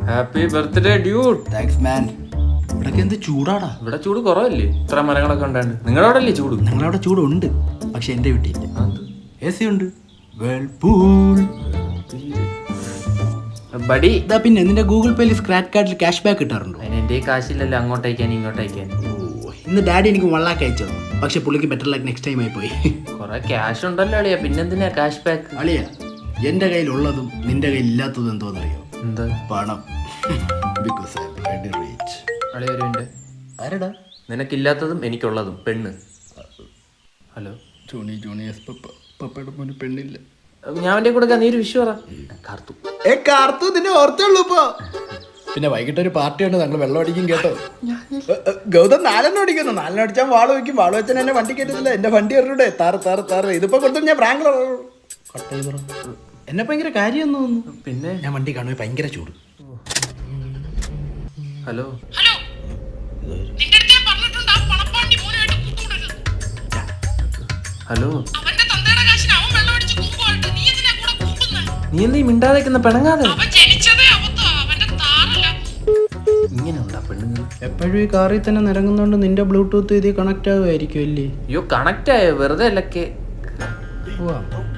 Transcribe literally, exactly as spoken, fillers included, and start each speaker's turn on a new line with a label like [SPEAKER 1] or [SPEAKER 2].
[SPEAKER 1] Happy birthday dude.
[SPEAKER 2] Thanks man. ഇവിടൊക്കെ എന്ത് ചൂടാടാ.
[SPEAKER 1] ഇവിടെ ചൂട് കുറവല്ലേ? ഇത്ര മരങ്ങളൊക്കെ ഉണ്ടാണ്ട്. നിങ്ങളുടെ അവിടെ അല്ലേ ചൂട്?
[SPEAKER 2] ഞങ്ങളവിടെ ചൂടുണ്ട്, പക്ഷെ എന്റെ വീട്ടിലില്ല. എ സി ഉണ്ട്. Whirlpool
[SPEAKER 1] buddy.
[SPEAKER 2] ഇതാ പിന്നെ നിന്റെ ഗൂഗിൾ പേയിൽ സ്ക്രാച്ച് കാർഡിൽ ക്യാഷ് ബാക്ക് കിട്ടാറുണ്ടോ?
[SPEAKER 1] അതിന് എന്റെ കാശില്ലല്ലോ അങ്ങോട്ടയക്കാൻ ഇങ്ങോട്ടയക്കാൻ.
[SPEAKER 2] ഇന്ന് ഡാഡി എനിക്ക് വൺ ലാക്ക് അയച്ചോ, പക്ഷെ പുള്ളിക്ക് ബെറ്റർ ലാക്ക് നെക്സ്റ്റ് ടൈം ആയി പോയി.
[SPEAKER 1] കൊറേ ക്യാഷ് ഉണ്ടല്ലോ അളിയാ, പിന്നെന്തിനാ ക്യാഷ് ബാക്ക്?
[SPEAKER 2] അളിയ, എന്റെ കയ്യിലുള്ളതും നിന്റെ കയ്യിൽ ഇല്ലാത്തതും എന്തോന്നറിയോ?
[SPEAKER 1] എന്താ?
[SPEAKER 2] പണം. Because I am very rich.
[SPEAKER 1] അളിയ ഒരു മിനിറ്റ്.
[SPEAKER 2] ആരടാ?
[SPEAKER 1] നിനക്കില്ലാത്തതും എനിക്കുള്ളതും പെണ്ണ്. Hello
[SPEAKER 2] Johnny Johnny yes papa. പപ്പയുടെ മോന് പെണ്ണില്ല.
[SPEAKER 1] ഞാൻ അവന്റെ കൂടെ നീ ഒരു വിഷു പറ. കാർത്തു
[SPEAKER 2] ഏ കാർത്തു നിന്നെ ഓർത്തുള്ളൂ ഇപ്പൊ. പിന്നെ വൈകിട്ട് ഒരു പാർട്ടി ഉണ്ട്, ഞങ്ങൾ വെള്ളം അടിക്കും കേട്ടോ. ഗൗതം നാലെണ്ണം അടിക്കുന്നു. നാലെണ്ണം അടിച്ചാൽ വാള് വയ്ക്കും. വാള് വെച്ചാൽ എന്നെ വണ്ടി കയറ്റത്തില്ല. എന്റെ വണ്ടി എറിയൂടെ താറ് താറ് താറ്. ഇതിപ്പോ കൊടുത്തു ഞാൻ പ്രാങ്ക് കട്ട് ചെയ്തോ. എന്നെ ഭയങ്കര കാര്യം തോന്നുന്നു.
[SPEAKER 1] പിന്നെ
[SPEAKER 2] ഞാൻ വണ്ടി കാണുമ്പോൾ ഭയങ്കര ചൂട്.
[SPEAKER 1] ഹലോ ഹലോ നീ എന്താ മിണ്ടാതെക്കുന്ന പെണങ്ങാതെ? ഇങ്ങനെ ഉണ്ടാ പെണ്ണുങ്ങൾ
[SPEAKER 2] എപ്പോഴും ഈ കാറിൽ തന്നെ നിരങ്ങുന്നോണ്ട് നിന്റെ ബ്ലൂടൂത്ത് ഇതിൽ കണക്ട് ആവുമായിരിക്കും അല്ലേ?
[SPEAKER 1] അയ്യോ കണക്ട് ആയോ? വെറുതെ അല്ലക്കെ.